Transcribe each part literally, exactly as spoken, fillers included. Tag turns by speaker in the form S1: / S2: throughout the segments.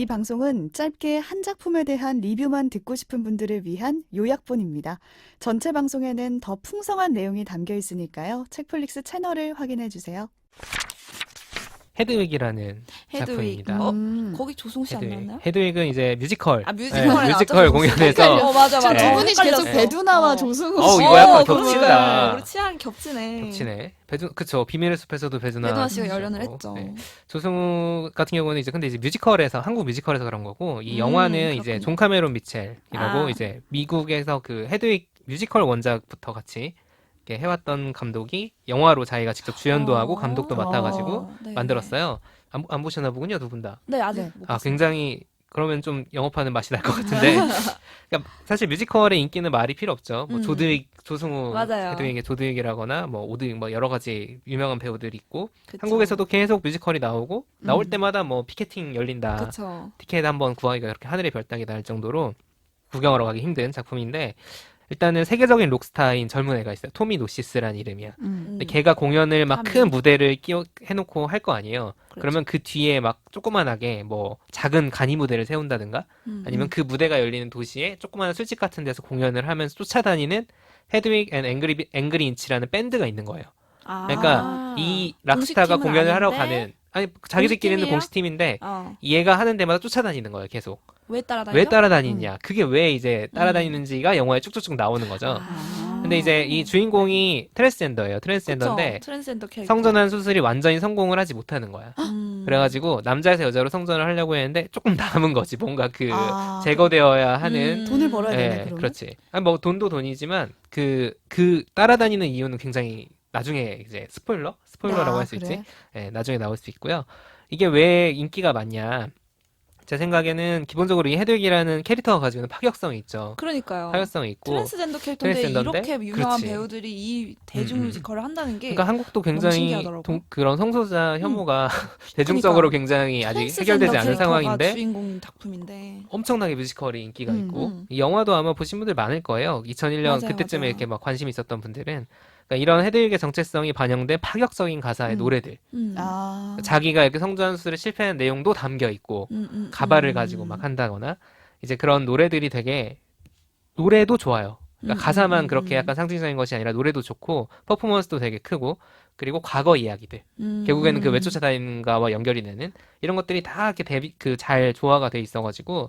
S1: 이 방송은 짧게 한 작품에 대한 리뷰만 듣고 싶은 분들을 위한 요약본입니다. 전체 방송에는 더 풍성한 내용이 담겨 있으니까요. 책플릭스 채널을 확인해 주세요.
S2: 헤드윅이라는
S3: 헤드윅.
S2: 작품입니다.
S3: 어?
S1: 음.
S3: 거기 조승우 씨 안
S2: 헤드윅.
S3: 나왔나요?
S2: 헤드윅은 이제 뮤지컬.
S3: 아,
S2: 네,
S3: 뮤지컬에
S2: 뮤지컬
S3: 나왔죠.
S2: 공연에서
S3: 어, 맞아, 맞아.
S2: 네.
S1: 두 분이 계속
S3: 헷갈렸어요.
S1: 배두나와
S3: 어.
S1: 조승우
S2: 어우,
S1: 씨.
S2: 이거 약간
S3: 어,
S2: 겹친다.
S3: 그러니까요. 우리 취향 겹치네.
S2: 겹치네. 배두, 그쵸. 비밀의 숲에서도 배두나.
S3: 배두나 씨가
S2: 씨였고.
S3: 열연을 했죠.
S2: 네. 조승우 같은 경우는 이제 근데 이제 뮤지컬에서, 한국 뮤지컬에서 그런 거고, 이
S3: 음,
S2: 영화는 이제
S3: 그렇군요.
S2: 존 카메론 미첼이라고
S3: 아.
S2: 이제 미국에서 그 헤드윅 뮤지컬 원작부터 같이 이렇게 해왔던 감독이 영화로 자기가 직접 주연도 하고 감독도 맡아가지고
S3: 어, 네,
S2: 만들었어요. 안, 안 보셨나 보군요, 두 분 다.
S3: 네, 네 아직
S1: 네.
S3: 못
S2: 아,
S3: 봤어요.
S2: 굉장히 그러면 좀 영업하는 맛이 날 것 같은데. 그러니까 사실 뮤지컬의 인기는 말이 필요 없죠. 뭐
S3: 음.
S2: 조드윅, 조승우,
S3: 맞아요.
S2: 헤드윅의 조드윅이라거나 뭐 오드윅 뭐 여러 가지 유명한 배우들이 있고
S3: 그쵸.
S2: 한국에서도 계속 뮤지컬이 나오고 나올
S1: 음.
S2: 때마다 뭐 피켓팅 열린다.
S3: 그쵸.
S2: 티켓 한번 구하기가 그렇게 하늘의 별따기다 할 정도로 구경하러 가기 힘든 작품인데 일단은 세계적인 록스타인 젊은 애가 있어요. 토미 노시스란 이름이야.
S1: 음.
S2: 근데 걔가 공연을 막
S3: 하면.
S2: 큰 무대를 끼워 해놓고 할 거 아니에요.
S3: 그렇죠.
S2: 그러면 그 뒤에 막 조그만하게 뭐 작은 간이 무대를 세운다든가
S3: 음.
S2: 아니면 그 무대가 열리는 도시에 조그마한 술집 같은 데서 공연을 하면서 쫓아다니는 헤드윅 앤 앵그리, 앵그리 인치라는 밴드가 있는 거예요.
S3: 아.
S2: 그러니까 이 락스타가
S3: 공식팀은
S2: 공연을 하러
S3: 아닌데?
S2: 가는 아니 자기들끼리는
S3: 공식팀이에요?
S2: 공식팀인데
S3: 어.
S2: 얘가 하는 데마다 쫓아다니는 거예요. 계속.
S3: 왜 따라다니죠?
S2: 왜 따라다니냐. 그게 왜 이제 따라다니는지가 영화에 쭉쭉쭉 나오는 거죠.
S3: 아.
S2: 근데 이제 이 주인공이 트랜스젠더예요. 트랜스젠더인데
S3: 그쵸. 트랜스젠더 캐릭터.
S2: 성전환 수술이 완전히 성공을 하지 못하는 거야.
S3: 음.
S2: 그래가지고 남자에서 여자로 성전을 하려고 했는데 조금 남은 거지. 뭔가 그
S1: 아.
S2: 제거되어야 하는
S3: 음.
S1: 돈을 벌어야 되네,
S2: 예,
S1: 그러면.
S2: 그렇지. 아니, 뭐 돈도 돈이지만 그 그 따라다니는 이유는 굉장히 나중에 이제 스포일러? 스포일러라고
S1: 아,
S2: 할 수 있지.
S1: 그래?
S2: 예, 나중에 나올 수 있고요. 이게 왜 인기가 많냐? 제 생각에는 기본적으로 이 헤드윅이라는 캐릭터가 가지고 있는 파격성이 있죠.
S3: 그러니까요.
S2: 파격성이 있고.
S3: 트랜스젠더 캐릭터인데
S2: 트랜스젠더인데?
S3: 이렇게 유명한
S2: 그렇지.
S3: 배우들이 이 대중
S2: 음, 음.
S3: 뮤지컬을 한다는 게
S2: 그러니까 한국도
S3: 너무
S2: 굉장히
S3: 신기하더라고.
S2: 동- 그런 성소자 혐오가 대중적으로 굉장히 아직
S3: 트랜스젠더
S2: 해결되지 않은
S3: 캐릭터가
S2: 상황인데
S3: 주인공 작품인데
S2: 엄청나게 뮤지컬이 인기가
S1: 음,
S2: 있고
S3: 음.
S2: 이 영화도 아마 보신 분들 많을 거예요. 이천일 년
S3: 맞아요,
S2: 그때쯤에
S3: 맞아요.
S2: 이렇게 막 관심 있었던 분들은 그러니까 이런 헤드윅의 정체성이 반영된 파격적인 가사의
S1: 음.
S2: 노래들
S3: 음.
S1: 아.
S2: 자기가 이렇게 성전 수술에 실패한 내용도 담겨 있고
S3: 음, 음,
S2: 가발을
S3: 음.
S2: 가지고 막 한다거나 이제 그런 노래들이 되게 노래도 좋아요. 그러니까
S3: 음,
S2: 가사만
S3: 음,
S2: 그렇게
S3: 음.
S2: 약간 상징적인 것이 아니라 노래도 좋고 퍼포먼스도 되게 크고 그리고 과거 이야기들
S3: 음.
S2: 결국에는 그 왜 쫓아다니는가와 연결이 되는 이런 것들이 다 이렇게 대비 그 잘 조화가 돼 있어가지고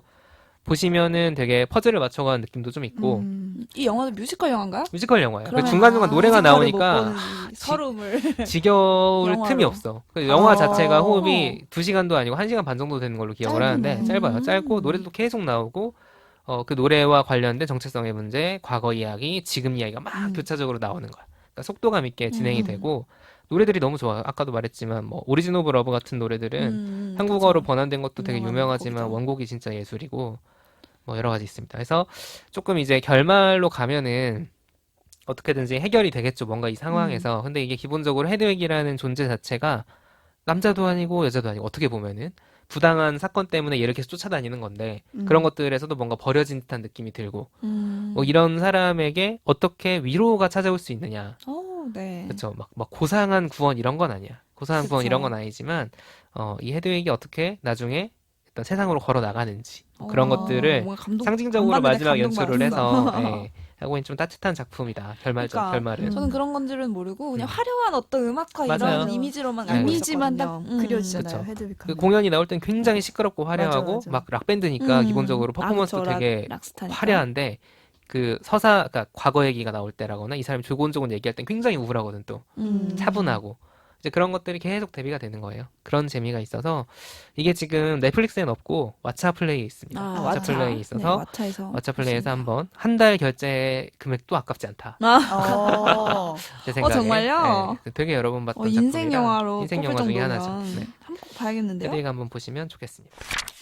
S2: 보시면은 되게 퍼즐을 맞춰가는 느낌도 좀 있고
S1: 음.
S3: 이 영화도 뮤지컬 영화인가요?
S2: 뮤지컬 영화예요. 그
S3: 그러면
S2: 중간중간
S1: 아,
S2: 노래가
S3: 뮤지컬을 못
S2: 나오니까
S3: 보는 이 서름을
S2: 지겨울
S3: 영화로.
S2: 틈이 없어. 그 영화
S1: 아.
S2: 자체가 호흡이 두 시간도 아니고 한 시간 반 정도 되는 걸로 기억을
S1: 짧네.
S2: 하는데 짧아요.
S3: 음.
S2: 짧고 노래도 계속 나오고 어, 그 노래와 관련된 정체성의 문제, 과거 이야기, 지금 이야기가 막
S1: 음.
S2: 교차적으로 나오는 거야. 그러니까 속도감 있게 진행이
S3: 음.
S2: 되고 노래들이 너무 좋아요. 아까도 말했지만 뭐 오리진 오브 러브 같은 노래들은
S3: 음,
S2: 한국어로
S3: 그쵸.
S2: 번안된 것도 되게
S3: 유명한
S2: 유명하지만
S3: 곡이죠.
S2: 원곡이 진짜 예술이고 뭐 여러 가지 있습니다. 그래서 조금 이제 결말로 가면은 어떻게든지 해결이 되겠죠. 뭔가 이 상황에서. 근데 이게 기본적으로 헤드윅이라는 존재 자체가 남자도 아니고 여자도 아니고 어떻게 보면은 부당한 사건 때문에 얘를 계속 쫓아다니는 건데
S1: 음.
S2: 그런 것들에서도 뭔가 버려진 듯한 느낌이 들고
S3: 음.
S2: 뭐 이런 사람에게 어떻게 위로가 찾아올 수 있느냐.
S3: 어, 네.
S2: 그렇죠. 막, 막 고상한 구원 이런 건 아니야. 고상한 구원
S3: 그쵸.
S2: 이런 건 아니지만 어, 이 헤드윅이 어떻게 나중에 일단 세상으로 걸어 나가는지 그런
S3: 어,
S2: 것들을
S3: 뭔가 감동,
S2: 상징적으로
S3: 안 봤는데
S2: 마지막 연출을
S3: 감동받았어.
S2: 해서 예, 하고 있는 좀 따뜻한 작품이다. 결말적
S3: 그러니까
S2: 결말은.
S3: 저는 그런 건지는 모르고 그냥
S2: 음.
S3: 화려한 어떤 음악과
S2: 맞아요.
S3: 이런 이미지로만
S2: 네.
S3: 알고
S1: 이미지만 딱
S3: 있었거든요. 음.
S1: 그려지잖아요.
S2: 그쵸.
S1: 헤드윅
S2: 그
S1: 하면.
S2: 공연이 나올 땐 굉장히 시끄럽고 화려하고
S1: 맞아, 맞아.
S2: 막 락밴드니까
S3: 음.
S2: 기본적으로
S3: 아,
S2: 퍼포먼스도
S3: 그쵸. 락-
S2: 되게
S3: 락스타니까.
S2: 화려한데 그 서사 그러니까 과거 얘기가 나올 때라거나 이 사람이 조곤조곤 얘기할 땐 굉장히 우울하거든 또
S3: 음.
S2: 차분하고 이제 그런 것들이 계속 대비가 되는 거예요. 그런 재미가 있어서 이게 지금 넷플릭스엔 없고 왓챠 플레이에 있습니다.
S3: 아,
S2: 왓챠
S3: 왓챠.
S2: 플레이에
S3: 네,
S2: 있어서
S3: 왓챠에서
S2: 왓챠 플레이에서
S3: 보시면
S2: 한번 한 달 결제 금액도 아깝지 않다.
S3: 아,
S1: 어.
S2: 제 생각에.
S3: 정말요?
S2: 네, 되게 여러 번 봤던
S3: 어, 인생
S2: 작품이라
S3: 영화로
S2: 인생
S3: 꼽힐
S2: 영화 중에
S3: 정도면
S2: 하나죠. 네.
S3: 한번 봐야겠는데요?
S2: 헤드윅 한번 보시면 좋겠습니다.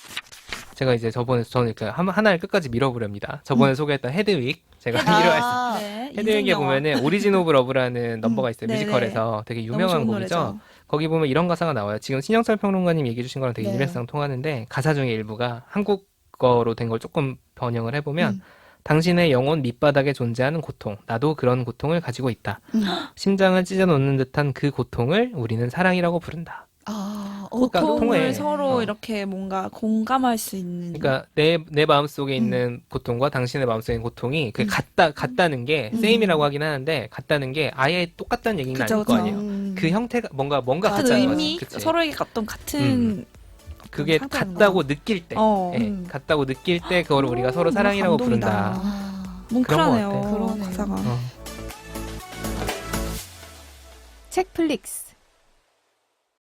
S2: 제가 이제 저번에 저는 이렇게 한- 하나를 끝까지 밀어보렵니다. 저번에 소개했던 헤드윅 제가
S1: 아.
S2: 밀어했습니다.
S3: 네, 인생
S2: 헤드윅에
S3: 영화.
S2: 보면은 오리진 오브 러브라는 넘버가 있어요.
S3: 네네.
S2: 뮤지컬에서 되게
S3: 너무
S2: 유명한
S3: 좋은
S2: 곡이죠.
S3: 노래죠.
S2: 거기 보면 이런 가사가 나와요. 지금 신영철 평론가님 얘기해 주신 거랑 되게
S1: 네.
S2: 일맥상 통하는데 가사 중에 일부가 한국어로 된 걸 조금 번역을 해보면
S1: 음.
S2: 당신의 영혼 밑바닥에 존재하는 고통, 나도 그런 고통을 가지고 있다.
S1: 음.
S2: 심장을 찢어 놓는 듯한 그 고통을 우리는 사랑이라고 부른다.
S1: 아, 어,
S2: 그러니까
S3: 고통을
S2: 통해.
S3: 서로
S2: 어.
S3: 이렇게 뭔가 공감할 수 있는.
S2: 그러니까 내, 내 마음속에 있는 고통과 당신의 마음속에 있는 고통이 그게
S3: 음.
S2: 같다, 같다는 게
S3: 음.
S2: 세임이라고 하긴 하는데 같다는 게 아예 똑같다는 얘기는
S3: 그죠,
S2: 아닐 거
S3: 그죠.
S2: 아니에요.
S1: 음.
S2: 그 형태가 뭔가 뭔가
S3: 같은
S2: 같다는
S3: 의미,
S2: 거지. 그치?
S3: 서로에게 어떤 같은
S2: 음. 그게
S3: 상태라는
S2: 같다고
S3: 거죠.
S2: 느낄 때,
S3: 어.
S2: 예,
S1: 음.
S2: 같다고 느낄 때 그거를 우리가
S3: 오,
S2: 서로
S3: 너무
S2: 사랑이라고
S3: 감동이다.
S2: 부른다.
S1: 아,
S3: 뭉클하네요.
S2: 그런 것 같아.
S1: 그러네요.
S3: 가사가.
S2: 어.
S1: 책플릭스.